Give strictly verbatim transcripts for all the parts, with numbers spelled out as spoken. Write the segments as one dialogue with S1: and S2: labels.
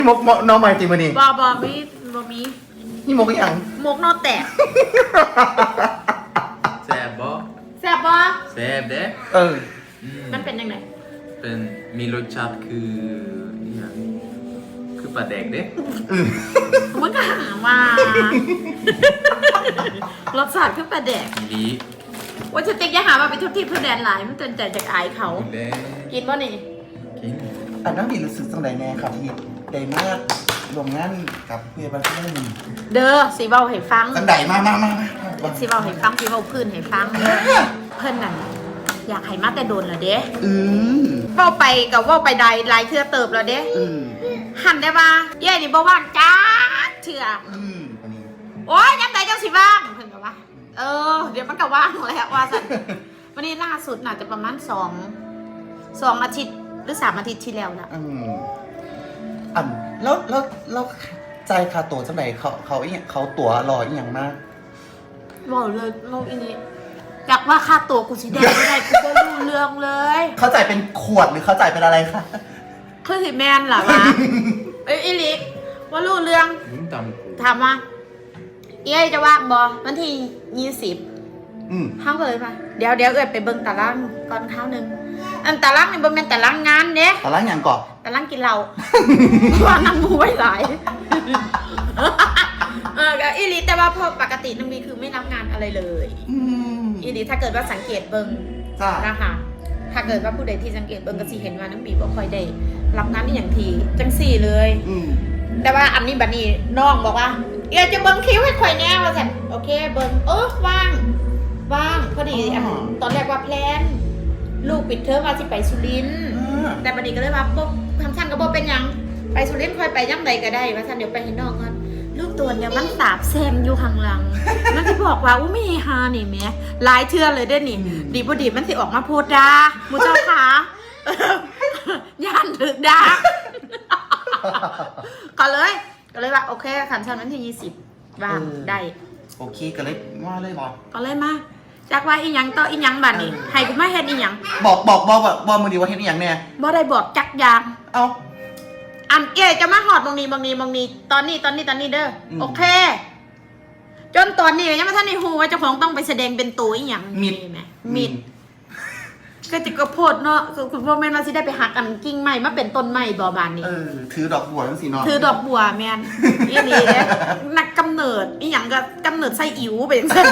S1: มกน้องใหม่ตีมานี่
S2: บอบอมีบอมี
S1: นี่มกยัง
S2: มกนอแตก
S3: แซ่บบ่
S2: แซ่บบอ
S3: แซ่บเด้
S1: เออ
S2: มันเป็นยังไง
S3: เป็นมีรสชาติคือนี่คือปลาแดกเด้
S2: มันก็หาว่ารสชาติคือปลาแดก
S3: ดี
S2: ว่าจะติ๊กยังหาว่าไปทุบที่เพื่อแดนหลายมันเตือนใจจากอายเขากินบ่นี่
S3: กิน
S1: อันนั้นดีรู้สึกจังไดแน่ครับที่ได้มากรวมงานกับเพื่อนบ้านเพื่อน
S2: เด้อสีเบาให้ฟัง
S1: จังไดมามามา
S2: สีเบาให้ฟังสีเบาพื้นให้ฟังเพื่อนนั่นอยากให้มาแต่โดนเหรอเด้
S1: อืม
S2: เว้าไปกับเว้าไปใดลายเทือเติบแล้วเด้อืมหันได้ป่ะเย่นี่บ่ว่างจ้าเถื่ออืมโอ้ยยังไงเจ้าสิว่างเพิ่นก็ว่าเออเดี๋ยวมันก็ว่างแล้วว่าสันวันนี้ล่าสุดน่าจะประมาณสองสองอาทิตย์หรือสามอาทิตย์ที่แล้วนะ
S1: อืมอันแล้วแล้วแล้วใจคาตัวจังไดเขาเขาอีเขาตั๋วรออีหยังมาก
S2: บอกเลยโลกอันนี้อยากว่าค่าตัวกูสิได้ไม่ได้กูก็รู้เรื่องเลย
S1: เขาจ่ายเป็นขวดหรือเขาจ่ายเป็นอะไรคะ
S2: คือสิแมนเหรอวะเอ้ยอีลิว่ารู้เรื่องถามว่าเอ้ยจะว่างบอวันที่ยี่สิบห้างเลยป่ะเดี๋ยวเดี๋ยวเอ้ยไปเบิ่งตารางก่อนเท้านึงอันตารางนี่บ่แม่นตารางงานเด้
S1: ตารางอย่างก่อน
S2: ตารางกินเหล้าว่านั่งมูไว้หลายเอออีลิแต่ว่าพอปกติน้องมีคือไม่รับงานอะไรเลยอีลิถ้าเกิดว่าสังเกตเบิ่งนะคะถ้าเกิดว่าผู้ใดที่สังเกตเบิ่งก็สิเห็นว่าน้องบีบ่ค่อยได้รับงานนี่อย่างทีจังสี่เลยแต่ว่าอันนี้บัดนี้น้องบอกว่าเอ้ยจะเบิ่งคิวให้ข่อยแน่ว่าซั่นโอเคเบิ่งเออว่างว่างพอดีตอนแรกว่าแพลนลูกปิดเทอมว่าสิไปสุรินทร์แต่บัดนี้ก็เลยว่าปุ๊บทำชั้นก็บ่เป็นหยังไปสุรินทร์ค่อยไปย่ำใดก็ได้ว่าซั่นเดี๋ยวไปให้น้องก่อนลูกตัวเนี่ยมันสาบแซมอยู่ข้างหลังมันสิบอกว่าอู้ไม่ฮานี่แม่หลายเทื่อเลยเด้อนี่ดีบ่ดีมันสิออกมาโพดด่าหมู่เจ้าขาย่านถึกด่าก็เลยก็เลยว่าโอเคขันชั้นวันที่ยี่สิบว่างได้
S1: โอเคก็เลยว่าเลยบอก
S2: ก็เลยมาจากว่าอีหยังต่ออีหยังบัดนี้ให้กูมาเฮ็ดอีหยัง
S1: บอกบอกบอกบอกมึงดีว่าเฮ็ดอีหยังแน่
S2: บ่ได้บอกจักอย่าง
S1: เอ้า
S2: อันเอ๋จะมาหอดบางนี้บางนี้บางนี้ตอนนี้ตอนนี้ตอนนี้เด้อโอเคจนตอนนี้ยังไม่ทันได้ฮู้ว่าเจ้าของต้องไปแสดงเป็นตัวอีหยัง
S1: มี
S2: ไหมมีก็จะกระโพดเนาะคุณพ่อแม่มาสิได้ไปหักอันกิ่งใหม่มาเป็นต้นใหม่บ่บานนี้
S1: เออถือดอกบัวทั้งสี่เนาะ
S2: ถือดอกบัวแม่นอีนี่เด้นักกำเนิดอีหยังก็กำเนิดไส้อิ๋วไปจังซั่น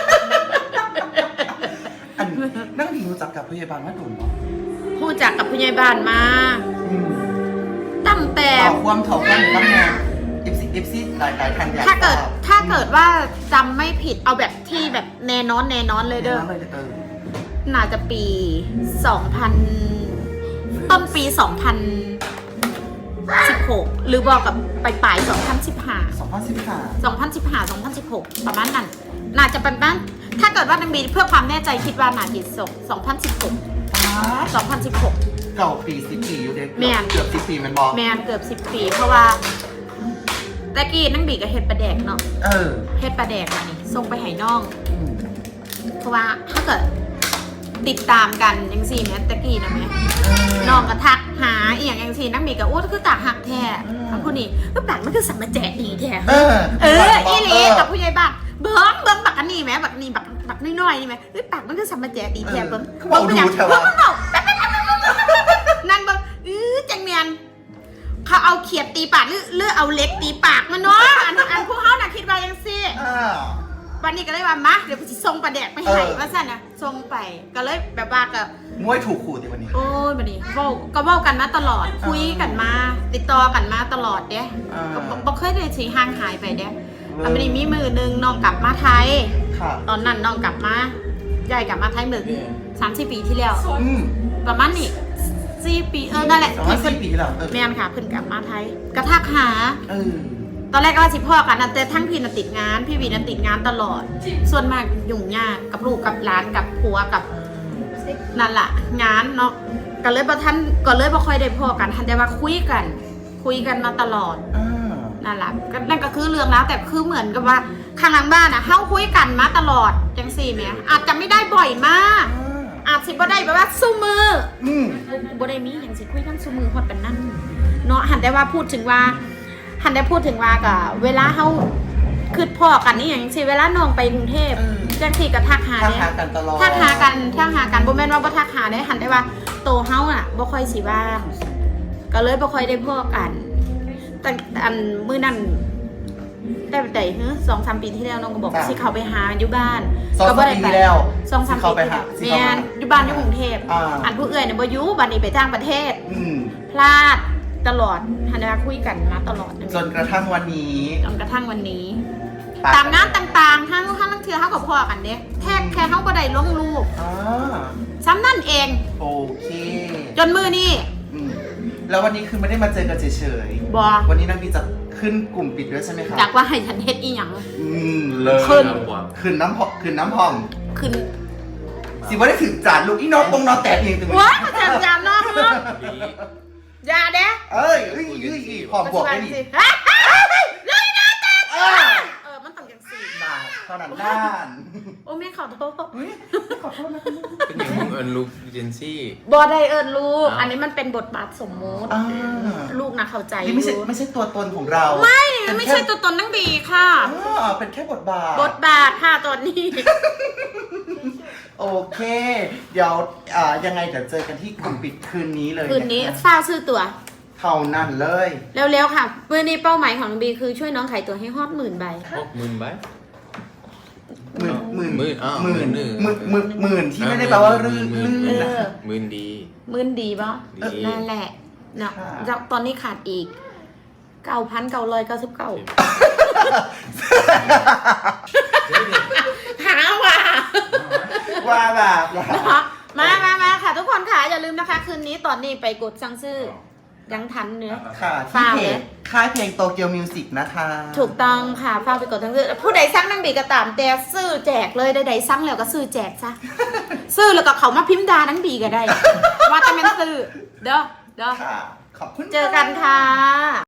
S1: อันนั่งดีรู้จักกับผู้ใหญ่บ้านมาโดนเนาะ
S2: รู้จักกับผู้ใหญ่บ้านมาตั้งแต่
S1: ความเท่ากันตั้งแต่เอฟซีเอฟซีหลายหลายท่าน
S2: ถ้าเกิดถ้าเกิดว่าจำไม่ผิดเอาแบบที่แบบแน่นอนแน่นอนเลยเด้อน่าจะปีสองพันต้นปีสองพันสิบหกหรือบอกกับปลายปลายสองพันสิบห้า
S1: สองพันสิบห้า
S2: สองพันสิบห้าสองพันสิบหกประมาณนั้นน่าจะเป็นบ้านถ้าเกิดว่านังบีเพื่อความแน่ใจคิดว่าน่าจะส่งสองพันสิบหกสองพันสิบหก
S1: เก่าปีสิบปีอยู่เด็กเกือบสิบปีมันบอก
S2: แมนเกือบสิบปีเพราะว่าตะกี้นังบีกับเฮ็ดปลาแดกเนาะ
S1: เออ
S2: เฮ็ดปลาแดกอันนี้ส่งไปให้น้องเพราะว่าถ้าเกิดติดตามกันยังสี่แมตะกี้นะแม่น้องก็ทักหาอีอย่างยังสี่นักบีกับอู้คือตากหักแท้ทั้งคนนี้ก็ปากมันคือสัมมาแจกดีแท้เออเอออีเล่กับผู้ใหญ่บ้านเบิ้งเบิ้งบักอันนี้แม่บักนี่บักบักน้อยๆนี่แม่ปากมันคือสัมมาแจกดีแท้เบิ้ง
S1: เบิ้งอย่างเบิ้ง
S2: เบิ้งนั่นเบิ้งอือจังเมียนเขาเอาเขียดตีปากหรือหรือเอาเล็กตีปากมันเนาะอันอันพวกเขาน่ะคิดว่ายังสี่วันนี้ก็เลยว่ามาเดี๋ยวกูจะส่งปลาแดกไปให้ว่าสั่นนะส่งไปก็เลยแบบว่าก็
S1: มวยถูกขู่ที่วันนี้
S2: โอ้ยวันนี้เว้าก็เว้ากันมาตลอดคุยกันมาติดต่อกันมาตลอดเด้ก็บ่เคยได้สิห่างหายไปเด้อันนี้มีมือนึงน้องกลับมาไทยตอนนั้นน้องกลับมาใหญ่กลับมาไทยมือสามสี่ปีที่แล้วประมาณนี้สี่ปีเออนั่นแหละ
S1: ที่เพิ่นปีแล้ว
S2: แม่นค่ะเพิ่นกลับมาไทยกระทักหาตอนแรกก็ว่าสิพ่อกันแต่ทั้งพี่น่ะติดงานพี่วีน่ะติดงานตลอดส่วนมากยุ่งยากกับลูกกับหลานกับผัวกับนั่นแหละงานเนาะก็เลยบ่ทันก็เลยบ่ค่อยได้พ่อกันทันแต่ว่าคุยกันคุยกันมาตลอดนั่นแหละก็นั่นก็คือเรื่องแล้วแต่คือเหมือนกับว่าข้างหลังบ้านอ่ะเฮาคุยกันมาตลอดจังซี่แม่อาจจะไม่ได้บ่อยมากอาจสิบ่ได้แบบว่าซุมืออืมบ่ได้มีหยังสิคุยกันซุมือฮอดกันนั่นเนาะหันได้ว่าพูดถึงว่าหันได้พูดถึงว่ากับเวลาเฮาคือพ่อกันนี่อย่างสิเวลาน้องไปกรุงเทพจังที่ก็ทักหา
S1: ทัก
S2: เนี่ย
S1: หากันตลอด
S2: ทักหากันทักหากันบ่แม่นว่าบ่ทักหาได้หันได้ว่าโตเฮาอ่ะบ่ค่อยสิว่างก็เลยบ่ค่อยได้พ้อกันแต่อันมื้อนั้นแต่แต่เฮ้อสองสามปีที่แล้วน้องก็บอกสิเขาไปหาอยู่บ้าน
S1: สอง
S2: ก็
S1: สา
S2: บ่
S1: ม
S2: ได้
S1: ปี
S2: ไป
S1: ที่แล้ว
S2: สองสาม
S1: สิ
S2: ปี
S1: เขาไป
S2: ที่
S1: หา
S2: แล้ว
S1: สิ
S2: แม่
S1: เขา
S2: นอยู่บ้านอยู่กรุงเทพ
S1: อ่า
S2: อันผู้เอื้อยเนี่ยบ่อยู่บัดนี้ไปต่างประเทศ
S1: อืม
S2: พลาดตลอดหันได้ว่าคุยกันมาตลอด
S1: จนกระทั่งวันนี้
S2: จนกระทั่งวันนี้
S1: ปะ
S2: ตามงานต่างๆทั้งทั้งทั้งเทือเฮากับพ่อกันเด้แค่แค่เฮาบ่ได้ลงรูป
S1: อ่า
S2: ซ้ำนั่นเอง
S1: โอเค
S2: จนมือนี่
S1: อืมแล้ววันนี้คือไม่ได้มาเจอกันเฉย
S2: บ่
S1: ๆวันนี้นางบีจะขึ้นกลุ่มปิดด้วยใช่ไหมคะ
S2: จากว่าให้ฉันเฮ็ดอีหยัง
S1: อืมเลย
S2: ขึ้น
S1: ขึ้นน้ำพอขึ้นน้ำพอง
S2: ขึ้น
S1: สิว่าได้ถึงจานลูกอีน้องปงนอนแตกเองตรงนี้
S2: ว้าอาจารย์ยามนอกเนาะอย่าเด้
S1: เอ้ยเอ้ยเอ้ยเอ้ยขอบบวกได้ดิ
S2: สิฮะเลยนะแต่
S1: อ่า
S2: เออมันต้องจังซี่
S1: บาทเท่านั้นล้าน
S2: โอ้แม่ขอโทษ
S1: เฮ้ยขอโทษนะ
S3: เป็นอย่างมึงเอิญลูกเจนซี่
S2: บ่ได้เอิ้นลูก
S3: อ้าว
S2: อันนี้มันเป็นบทบาทสมมุติ
S1: อ่า
S2: ลูกนะเข้าใจ
S1: นี่ไม่ใช่
S2: อยู่
S1: ไม่ใช่ตัวตนของเรา
S2: ไม่
S1: เป็น
S2: ไม่
S1: แค่
S2: ใช่ตัวตนนังบีค่ะ
S1: อ่าเป็นแค่บทบาท
S2: บทบาทค่ะตอนนี้
S1: โอเค เดี๋ยวอ่ายังไงเดี๋ยวเจอกันที่กลุ่มปิดคืนนี้เลย
S2: คืนนี้
S1: ะคะ
S2: ฝ้าวซื้อตั๋ว
S1: เท่านั้นเลย
S2: เร็วๆค่ะวันนี้เป้าหมายของน้องบีคือช่วยน้องขายตั๋วให้ฮอดหมื่นใบ
S3: หกหมื่นใบ
S1: หมื่นหมื่น
S3: หมื่นอ้าว
S1: หมื่น
S3: หมื่น
S1: หมื่นหมื่นหมื่นที่ไม่ได้แปลว่าลื่น
S3: หมื่
S1: ลื่
S3: น
S1: น
S3: หมื่น
S1: นะ
S2: เออ
S3: หมื่นดี
S2: หมื่นดีปะ
S3: ดี
S2: นั่นแหละเนาะ
S1: ค่ะ
S2: แล้วตอนนี้ขาดอีกเก้าพันเก้าร้อยเก้าสิบเก้าหาว่า
S1: ว่าแบบว่า
S2: เนาะมามามาค่ะ ทุกคนค่ะ อย่าลืมนะคะ คืนนี้ตอนนี้ไปกดสั่งซื้อยังทันเนื้อ
S1: ค่ะที่
S2: ฝาก
S1: เพ
S2: เล
S1: จ
S2: ย
S1: ค่ายเพลงโตเกียวมิวสิกนะคะ
S2: ถูกต้องค่ะฝากไปกดสั่งซื้อผู้ใดสั่งนังบีก็ตามแต่ซื้อแจกเลยใดๆสั่งแล้วก็ซื้อแจกซะ ซื้อแล้วก็เขามาพิมพ์ดานังบีก็ได้ ว่าจะเป็นซื้อเด้อเด้อ
S1: ค่ะ ขอบคุณ
S2: เจอกันค่ะ